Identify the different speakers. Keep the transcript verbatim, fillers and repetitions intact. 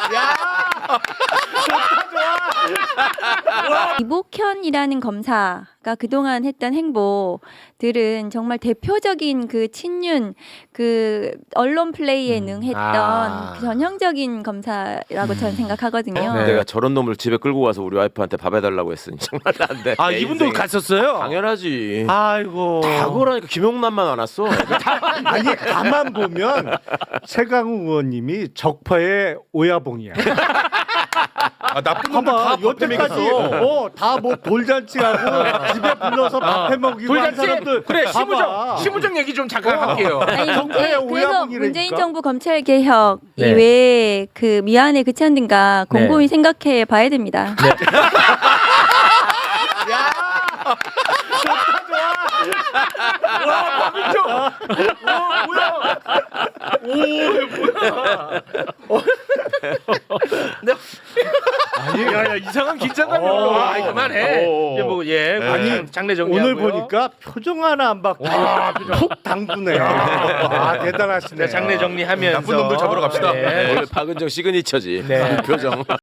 Speaker 1: 이복현이라는 검사가 그동안 했던 행보들은 정말 대표적인 그 친윤 그 언론 플레이에 능했던
Speaker 2: 아.
Speaker 1: 그 전형적인 검사라고 저는 생각하거든요.
Speaker 2: 네.
Speaker 3: 내가 저런 놈을 집에 끌고 가서 우리 와이프한테 밥 해달라고 했으니 정말 안 돼.
Speaker 2: 아
Speaker 3: 내
Speaker 2: 이분도
Speaker 3: 인생에.
Speaker 2: 갔었어요?
Speaker 3: 당연하지.
Speaker 2: 아이고.
Speaker 3: 다 그러니까 김용남만 안 왔어.
Speaker 4: 아니 가만 보면 세강우 의원님이 적파의 오야봉이야.
Speaker 5: 아, 나쁜 놈들
Speaker 4: 봐봐
Speaker 5: 다
Speaker 4: 여태까지 어다 뭐 돌잔치하고 집에 불러서 밥 해먹이고 한
Speaker 2: 돌잔치
Speaker 4: 사람들
Speaker 2: 그래
Speaker 4: 봐봐.
Speaker 2: 시무정 시무정 얘기 좀 잠깐
Speaker 4: 어.
Speaker 2: 할게요.
Speaker 1: 아니,
Speaker 4: 정파의
Speaker 1: 문재, 그래서
Speaker 4: 오야봉이라니까?
Speaker 1: 문재인 정부 검찰 개혁
Speaker 2: 네.
Speaker 1: 이외에 그 미안에 그치 않는가 곰곰이
Speaker 2: 네.
Speaker 1: 생각해 봐야 됩니다.
Speaker 2: 와 박민정. 와 뭐야? 오 뭐야? 아니 야야 이상한 긴장감이 올라와. 아이, 그만해.
Speaker 3: 어.
Speaker 2: 이제 뭐예
Speaker 4: 아니,
Speaker 2: 장례 정리하고요.
Speaker 4: 오늘 보니까 표정 하나 안 받고 푹 당구네. 아 대단하시네.
Speaker 2: 네, 장례 정리하면서
Speaker 5: 나쁜 놈들 잡으러 갑시다.
Speaker 2: 네.
Speaker 3: 원래 박은정 시그니처지.
Speaker 2: 네.
Speaker 3: 표정.